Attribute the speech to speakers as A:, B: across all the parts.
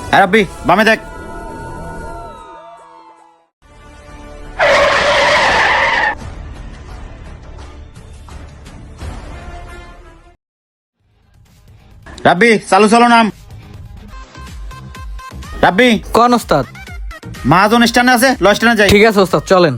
A: রাব্বি বামে দেখ। রাব্বি চালু চলো নাম। রাব্বি
B: কোন ওস্তাদ?
A: মহাজন স্ট্যান্ডে আছে, ল স্ট্যান্ডে যাই।
B: ঠিক আছে ওস্তাদ, চলেন।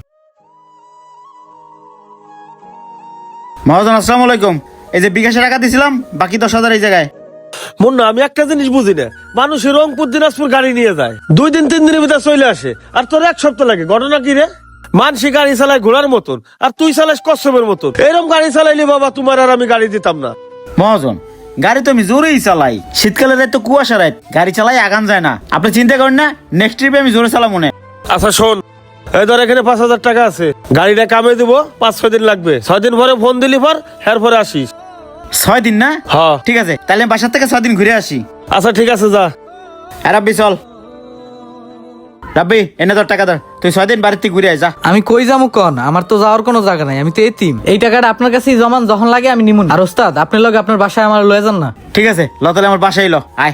A: মহাজন আসসালামু আলাইকুম। এই যে বিকাশে টাকা দিছিলাম, বাকি 10,000 এই জায়গায়।
C: মুন্না, আমি একটা জিনিস বুঝি না, মানুষের রংপুর দিনাজপুর গাড়ি নিয়ে যায়, 2 দিন 3 দিনের ভিতরে চলে আসে, আর তোর 1 সপ্তাহ লাগে। ঘটনা কি রে? মানসি গাড়ি চালায় ঘোড়ার মতন, আর তুই চালাস কচ্ছপের মতন। এরকম গাড়ি চালাইলে বাবা তোমার আর আমি গাড়ি দিতাম না।
A: মহাজন গাড়ি তো আমি জোরেই চালাই, শীতকালের রাত তো কুয়াশা রাত, গাড়ি চালাই আগান যায় না। আপনি চিন্তা করেন না, নেক্সট ট্রিপে আমি জোরে চালাম মনে।
C: আচ্ছা শোন, এই ধর এখানে 5,000 টাকা আছে, গাড়িটা কামে দিব, 5-6 দিন লাগবে। 6 দিন পরে ফোন দিলি পর, এরপরে আসিস।
A: 6 দিন না?
C: হ্যাঁ
A: ঠিক আছে, তাহলে আমি বাসার থেকে 6 দিন ঘুরে আসি।
C: আচ্ছা ঠিক আছে, যা।
A: রাব্বি চল। রাব্বি এনে তোর টাকা ধর, তুই 6 দিন বাড়িতে ঘুরে আয় যা।
B: আমি কই যাবো কন? আমার তো যাওয়ার কোনো জায়গা নাই, আমি তো এতিম। এই টাকাটা আপনার কাছেই জমান, যখন লাগে আমি নিমুন। আর ওস্তাদ আপনার লগে আপনার বাসায় আমার লয়ে যান না।
A: ঠিক আছে, ল তাহলে আমার বাসায় ল, আয়।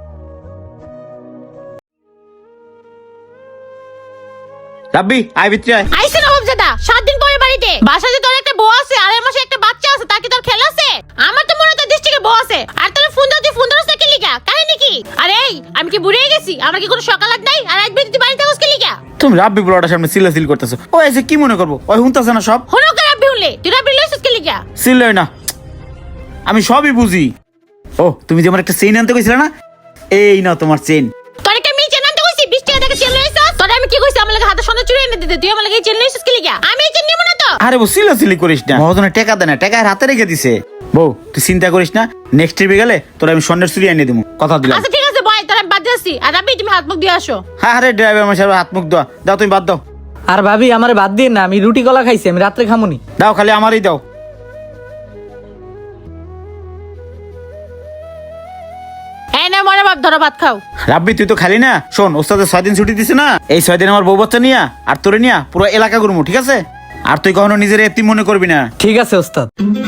A: রাব্বি আয় ভিতরে আয়।
D: আইসে নবাব দাদা, 7 দিন পরে বাড়িতে। বাসাতে তোর একটা বউ আছে, আর এর মাসে একটা বাচ্চা আছে, তাকে তোর খেলা আছে। আমার তো মনে হয় তোর দৃষ্টিকে বউ আছে, আর তোর ফোন দাও, তুই ফোন ধরছ কি লিগা? কাহিনী কি? আরে এই, আমি কি বুড়ে গেছি? আমার কি কোনো সকাল আগ নাই? আর একদিন তুই বাড়িতে থাকস কি লিগা?
A: তুমি রাব্বি বড়টার সামনে সিল করতেছো। ও এসে কি মনে করবো? ওই হুনতাছে না সব।
D: হনো করে রাব্বি হলে, তুই রাব্বি লইছস কি লিগা?
A: সিল না, আমি সবই বুঝি। ও তুমি যে আমার একটা চেইন আনতে কইছিলে না, এই নাও তোমার চেইন।
D: তোর একটা মেয়ে চেন আনতে কইছি, 20 টাকা থেকে চেন লইছস। তোর আমি কি কইছি আমার লাগি হাতে সোনা চুরি এনে দিতে? তুই আমার লাগি চেন লইছস কি লিগা? আমি এই চেন নিব না তো।
A: আরে বউ সিলি করিস না, মহাজনের টাকা দেয় না, টাকা হাতে রেখে দিছে। বউ তুই চিন্তা করিস না, নেক্সট ট্রিপে গেলে তোর আমি স্বর্ণের চুরি এনে দেবো, কথা দিলাম।
D: আচ্ছা ঠিক আছে বয়, তোর আমি বাদ দিয়েছি। আর রাব্বি তুমি হাত মুখ দিয়ে আসো।
A: হ্যাঁ আরে ড্রাইভার আমার সাহেব হাত মুখ দাও, দাও তুমি বাদ দাও।
B: আর ভাবি আমারে বাদ দিয়ে না, আমি রুটি কলা খাইছি, আমি রাত্রে খামুনি।
A: দাও খালি আমারই দাও।
D: এই না মনে বাপ, ধরো ভাত খাও।
A: রাব্বি তুই তো খালি না, শোন ওস্তাদের 6 দিন ছুটি দিছে না, এই 6 দিন আমার বউ বাচ্চা নিয়া আর তোরে নিয়া পুরো এলাকা ঘুরবো, ঠিক আছে? আর তুই কখনো নিজের এতিম মনে করবি না।
B: ঠিক আছে ওস্তাদ।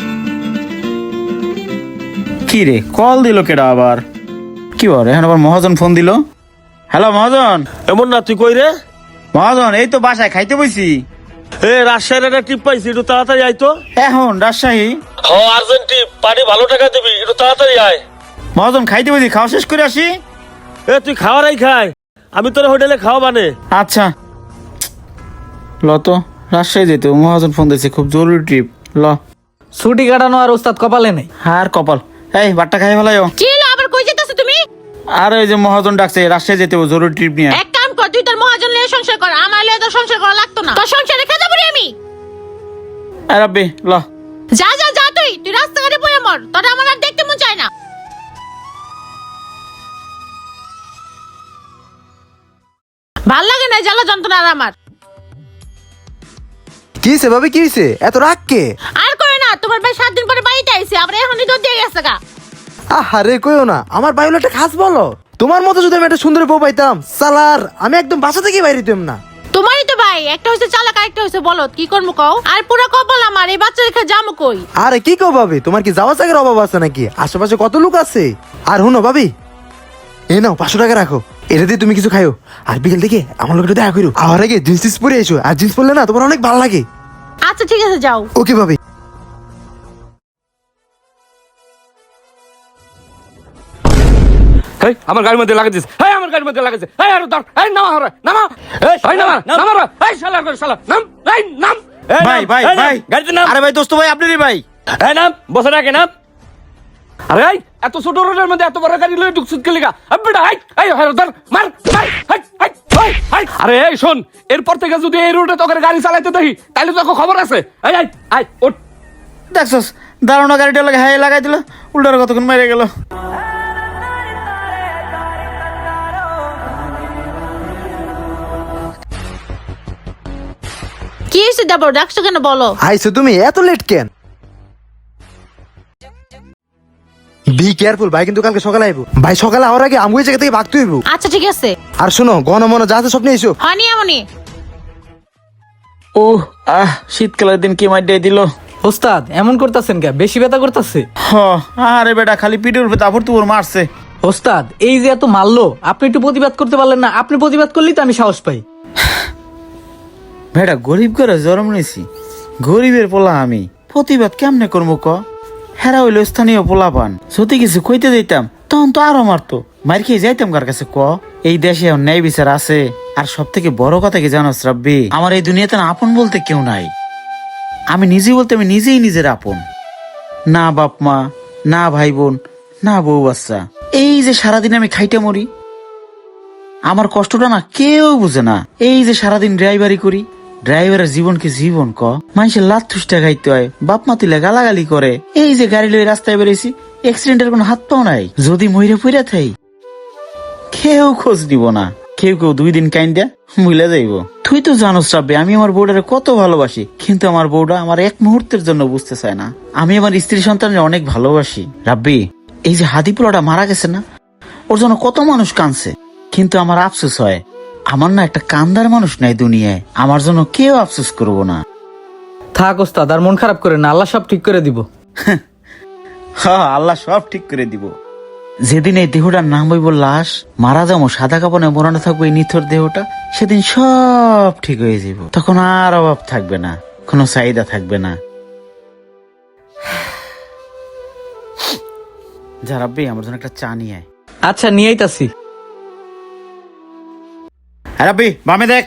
A: কি রে কল দিল কেডা আবার? কি বল এখন আবার মহাজন ফোন দিল। হ্যালো মহাজন।
C: এমন না, তুই কই রে?
A: মহাজন এই তো বাসায় খাইতে বইছি।
C: এ রাজশাহীর একটা ট্রিপ পাইছি, একটু তাড়াতাড়ি আয় তো।
A: এখন রাজশাহী?
C: হ্যাঁ আর্জেন্ট ট্রিপ, পানি ভালো টাকা দিবি, একটু তাড়াতাড়ি আয়।
A: মহাজন খাইতে বইছি, খাওয়া শেষ করে আসি।
C: এ তুই খাওয়ারাই খাই, আমি তোর হোটেলে খাওয়া বানে।
A: আচ্ছা ল তো, রাজশাহী যেতে মহাজন ফোন দিয়েছে, খুব জরুরি ট্রিপ। ল
B: ছুটি কাটানো আর ওস্তাদ কপালে নেই।
A: আর কপাল। এই বাট্টা খাই ফেলাইও।
D: কি হলো, আবার কই যেতেছো তুমি?
A: আর ওই যে মহাজন ডাকছে, রাজশাহী যেতে হবে জরুরি ট্রিপ নিয়ে।
D: এক কাম কর, তুই তোর মহাজন লিয়ে সংসার কর, আমার লিয়ে তোর সংসার করা লাগতো না। তোর সংসারে খেতে পারি আমি।
A: রাব্বি ল।
D: যা যা যা, তুই রাস্তাঘাটে পড়ে মর, তোর আমার আর দেখতে মন চায় না। ভাল লাগে না জ্বালা যন্ত্রণা আর আমার।
E: কি হইছে ভাবি, কি হইছে? এত রাগ কে?
D: আর করে না, তোমার ভাই 7 দিন পরে বাড়িতে আইছে, আবার এখনই তো দিয়ে গেছে গা।
E: আহারে কইও না, আমার ভাই হলো একটা খাস বলো। তোমার মতো যদি আমি একটা সুন্দর বউ পাইতাম, সালার আমি একদম বাসা থেকে বাইরে দিতাম না।
D: তোমারই তো ভাই, একটা হইছে চালাক, একটা হইছে বলদ, কি করবো কও? আর পুরো কপাল আমার, এই বাচ্চা রেখে যাবো কই?
E: আরে কি কও ভাবি, তোমার কি যাওয়া জায়গার অভাব আছে নাকি? আশেপাশে কত লোক আছে। আর হুনো ভাবি, এই নাও 500 টাকা রাখো, এটা দিয়ে তুমি কিছু খাইও। আর বিকেল থেকে আমার লোক দেখা করো, আর আগে জিন্স পরে এসো, আর জিন্স পরলে না তোমার অনেক ভালো লাগে।
D: আচ্ছা ঠিক আছে, যাও।
E: ওকে ভাবি।
F: এই আমার গাড়ির মধ্যে লাগাইছিস, এই আমার গাড়ির মধ্যে লাগাইছিস, এই আর ধর, এই নামা হরে নামা, এই নামা নামা রে, এই শালা করে শালা নাম, এই নাম।
A: ভাই ভাই ভাই,
C: গাড়িতে নাম।
A: আরে ভাই দোস্ত ভাই, আপনারই ভাই।
C: এই নাম, বসে রাখে নাম। আরে এই এত ছোট রোডের মধ্যে এত বড় গাড়ি লয়ে ঢুকছিস কে লিগা? বেটা এই হরে ধর, মার মার, হাই। আরে এই শোন, এরপর থেকে যদি এই রোডে তোকে গাড়ি চালাইতে দেখি, তাহলে তোকে খবর আছে। এই আই ওঠ।
A: দেখছস দাঁড়ানো গাড়িটা লাগে হাই লাগাই দিল, উল্টার কতক্ষণ মেরে গেল।
D: কি হইছে দেবর, ডাকছো কেন বলো?
E: আইছো তুমি, এত লেট কেন? বি কেয়ারফুল, ভাই কিন্তু কালকে সকালে আইবো। ভাই সকালে আওয়ার আগে আমগুই জায়গা থেকে ভাগতে হইব।
D: আচ্ছা ঠিক আছে।
E: আর শোনো, গণ মন যা আছে সব নিয়ে এসো।
D: হয়নি এমনই।
A: ও শীতকালের দিন কি মাইর দিল।
B: ওস্তাদ এমন করতেছেন কে? বেশি ব্যথা করতেছে?
A: আরে বেটা খালি পিঠের উপরে তারপর তোর মারছে।
B: ওস্তাদ এই যে এত মারলো, আপনি একটু প্রতিবাদ করতে পারলেন না? আপনি প্রতিবাদ করলেই তো আমি সাহস পাই।
A: ভেড়া গরিব করে জন্ম নিয়েছি, গরিবের পোলা আমি, প্রতিবাদ কেমনে করবো ক? হেরা হইলো স্থানীয় পোলা পান, যদি কিছু কইতে দিতাম তখন তো আরো মারতো, মার খেয়ে যাইতাম কার কাছে ক? এই দেশে এখন ন্যায় বিচার আছে। আর সব থেকে বড় কথা কি জানো রাব্বি, আমার এই দুনিয়াতে না আপন বলতে কেউ নাই। আমি নিজে বলতে আমি নিজেই নিজের আপন। না বাপ মা, না ভাই বোন, না বউ বাচ্চা। এই যে সারাদিন আমি খাইতে মরি, আমার কষ্টটা না কেউ বুঝে না। এই যে সারাদিন ড্রাইভারি করি, ড্রাইভারের জীবন কি জীবন ক? মানুষের লাত থুসটা খাইতে হয়, বাপ মা তুলে গালাগালি করে। এই যে গাড়ি লয়ে রাস্তায় বেরিয়েছি, অ্যাক্সিডেন্টের কোনো হাত পাও নাই। যদি মইরে পইরা থাই, কেউ খোঁজ দিব না। কেউ 2 দিন কাইন্দা ভুলে যাইব। তুই তো জানোস রাব্বি, আমি আমার বউটারে কত ভালোবাসি, কিন্তু আমার বউটা আমার এক মুহূর্তের জন্য বুঝতে চায় না। আমি আমার স্ত্রী সন্তানের অনেক ভালোবাসি রাব্বি। এই যে হাদি পোলাটা মারা গেছে না, ওর জন্য কত মানুষ কাঁদছে, কিন্তু আমার আফসোস হয় আমার না একটা কান্দার মানুষ নাই দুনিয়ায়। আমার জন্য কেউ আফসোস করবো না।
B: থাক ওস্তাদ, আর মন খারাপ করে না, আল্লাহ সব ঠিক করে দিব।
A: হ্যাঁ, আল্লাহ সব ঠিক করে দিব। যেদিন এই দেহটার নাম হইব লাশ, মারা যাবো, সাদা কাপড়ে মোড়ানো থাকবো এই নিথর দেহটা, সেদিন সব ঠিক হয়ে যাব। তখন আর অভাব থাকবে না, কোনো চাহিদা থাকবে না। যা রাব্বি, আমার জন্য একটা চা নিয়ে আয়।
B: আচ্ছা নিয়ে আইতাছি।
A: হ্যাঁ রাব্বি, বামে দেখ।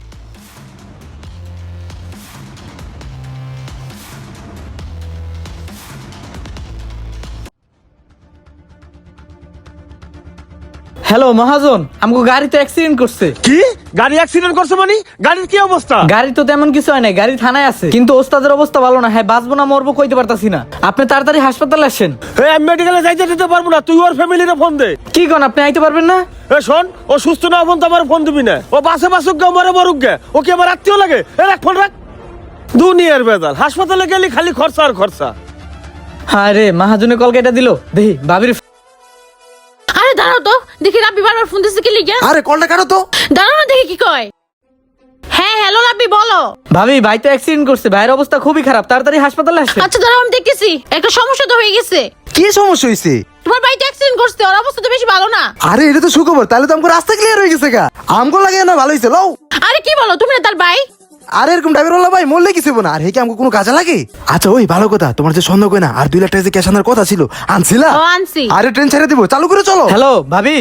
B: হ্যালো মহাজন, আমাকে গাড়িতে অ্যাক্সিডেন্ট করছে।
F: কি গাড়ি অ্যাক্সিডেন্ট করছে মানে? গাড়ির কি অবস্থা?
B: গাড়ি তো তেমন কিছু হয় নাই, গাড়ি থানায় আছে, কিন্তু ওস্তাদের অবস্থা ভালো না। হ্যাঁ, বাঁচবো না মরবো কইতে পারতাছি না। আপনি তাড়াতাড়ি হাসপাতালে আসেন।
F: আমি মেডিকেলে যাইতে দিতে পারবো না, তুই ওর ফ্যামিলিরে ফোন দে।
B: কি কোন, আপনি আইতে পারবেন না?
F: শোন, ও সুস্থ না ফোন তো আমার ফোন দিবি না। ও বাসে বাসুক গে, মরে মরুক গে, ও কি আমার আত্মীয় লাগে? রাখ ফোন রাখ। দুনিয়ার বেজাল, হাসপাতালে গেলি খালি খরচা আর খরচা।
B: হ্যাঁ রে, মহাজনে কল কেটে দিল। দেখি ভাবির।
D: আরে দাঁড়াও তো, দেখি রাব্বি বারবার ফোন দিচ্ছে কি লিগা?
E: আরে কলটা কাটো তো।
D: দাঁড়াও না, দেখি কি কয়। হ্যাঁ হ্যালো রাব্বি, বলো।
B: ভাবি, ভাই তো অ্যাক্সিডেন্ট করছে, ভাইয়ের অবস্থা খুবই খারাপ, তাড়াতাড়ি হাসপাতালে আসেন।
D: আচ্ছা দাঁড়াও, আমি দেখতেছি। একটা সমস্যা তো হয়ে গেছে।
E: কি সমস্যা হয়েছে?
D: তোমার বাড়িতে অ্যাক্সিডেন্ট করছে, ওর অবস্থা তো বেশি ভালো না।
E: আরে এটা তো সুখবর, তাহলে তো আমাকে রাস্তা ক্লিয়ার হয়ে গেছে গা। আমগো লাগে না, ভালো হয়েছে লও।
D: আরে কি বলো তুমি, না তার ভাই?
E: আরে এরকম ড্রাইভার ওলা ভাই মরলে কিছু না। আর হে কি আমাকে কোনো কাজে লাগে? আচ্ছা ওই ভালো কথা, তোমার যে সন্দেহ কই না, আর 2 লাখ টাকা যে ক্যাশ আনার কথা ছিল, আনছিলা?
D: ও, আনছি।
E: আরে ট্রেন ছেড়ে দিব, চালু করে চলো।
B: হ্যালো ভাবি,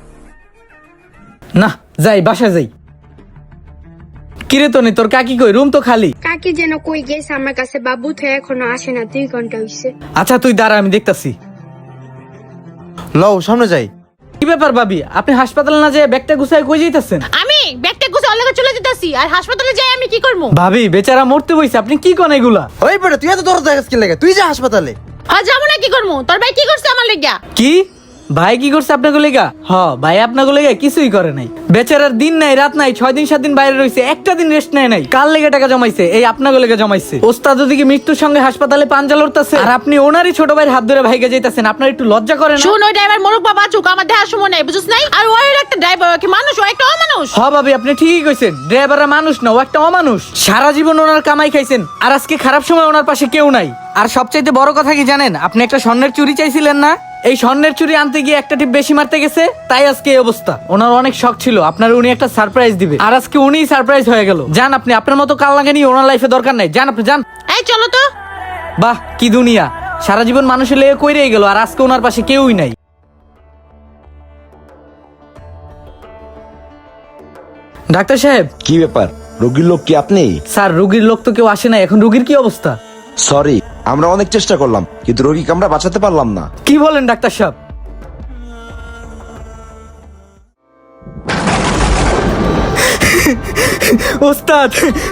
B: না যাই বাসায় যাই। কিরে তনি, তোর কাকি কই? রুম তো খালি।
G: কাকি যেন কই গেছে আমার কাছে, বাবু তো এখনো আসে না, 2 ঘন্টা হইছে।
B: আচ্ছা তুই দাঁড়া, আমি দেখতাছি।
E: লও সামনে যাই।
B: কি ব্যাপার ভাবি, আপনি হাসপাতালে না যেয়ে ব্যাগটা গুছায় কই যাইতাছেন?
D: আমি ব্যাগটা গুছে অল্লাগে চলে যেতেছি, আর হাসপাতালে যাই আমি কি করবো?
B: ভাবি বেচারা মরতে বইছে, আপনি কি কোন এগুলা?
E: ওই বেটা তুই এত দরদ দেখাস কি লাগে? তুই যা হাসপাতালে।
D: আর যাবো না, কি করবো? তোর ভাই কি করছে আমার লেগা?
B: কি ভাই কি করছে আপনাকে লেগা? ভাই আপনাকে লেগা কিছুই করে নাই। বেচারার দিন নাই রাত নাই, 6 দিন 7 দিন বাইরে রয়েছে, একটা দিন রেস্ট নেয় নাই। কার লেগে টাকা জমাইছে? এই আপনাকে লেগে জমাইছে। ওস্তাদ ওদিকে মৃত্যুর সঙ্গে হাসপাতালে পাঞ্জা লড়তাছে, আর আপনি ওনারই ছোট ভাইয়ের হাত ধরে ভাইগে যাইতাছেন। আপনার একটু লজ্জা করে না?
D: শুন, ওই ড্রাইভার মরুক বা বাঁচুক, আমার দেখার সময় নাই, বুঝছ নাই? আর ওই একটা ড্রাইভার কি মানুষ? ও একটা অমানুষ।
B: ভাবি আপনি ঠিকই কইছেন, ড্রাইভাররা মানুষ না, ও একটা অমানুষ। সারা জীবন ওনার কামাই খাইছেন, আর আজকে খারাপ সময় ওনার পাশে কেউ নাই। আর সবচাইতে বড় কথা কি জানেন? আপনি একটা স্বর্ণের চুরি চাইছিলেন না, এই স্বর্ণের চুরি আনতে গিয়ে একটা টিপ বেশি মারতে গেছে, তাই আজকে এই অবস্থা। ওনার অনেক শখ ছিল আপনার উনি একটা সারপ্রাইজ দিবে, আর আজকে উনিই সারপ্রাইজ হয়ে গেল। যান আপনি, আপনার মতো কাল লাগেনি, ওনার লাইফে দরকার নাই। যান আপনি যান।
D: এই চলো তো।
B: বাহ কি দুনিয়া, সারা জীবন মানুষের লেগে কইরেই গেল, আর আজকে ওনার পাশে কেউই নাই। ডাক্তার সাহেব।
H: কি ব্যাপার, রোগীর লোক কি আপনি?
B: স্যার রোগীর লোক তো কেউ আসে না, এখন রোগীর কি অবস্থা?
H: সরি, আমরা অনেক চেষ্টা করলাম, কিন্তু রোগীকে আমরা বাঁচাতে পারলাম না।
B: কি বলেন ডাক্তার সাহেব? ওস্তাদ।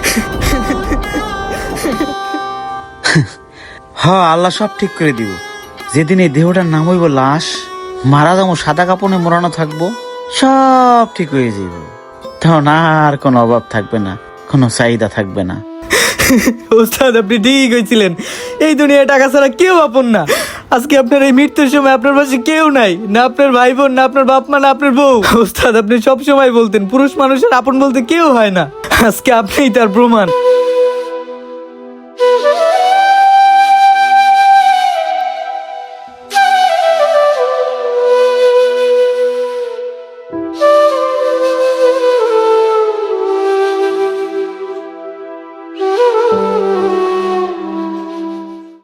A: হ্যাঁ, আল্লাহ সব ঠিক করে দিব। যেদিন এই দেহটার নাম হইব লাশ, মারা যাবো, সাদা কাপড়ে মোড়ানো থাকবো, সব ঠিক হয়ে যাব। তখন আর কোনো অভাব থাকবে না, কোনো চাহিদা থাকবে না।
B: ওস্তাদ আপনি ঠিক হয়েছিলেন, এই দুনিয়ায় টাকা ছাড়া কেউ আপন না। আজকে আপনার এই মৃত্যুর সময় আপনার পাশে কেউ নাই, না আপনার ভাই বোন, না আপনার বাপ মা, না আপনার বউ। ওস্তাদ আপনি সব সময় বলতেন পুরুষ মানুষের আপন বলতে কেউ হয় না, আজকে আপনিই তার প্রমাণ।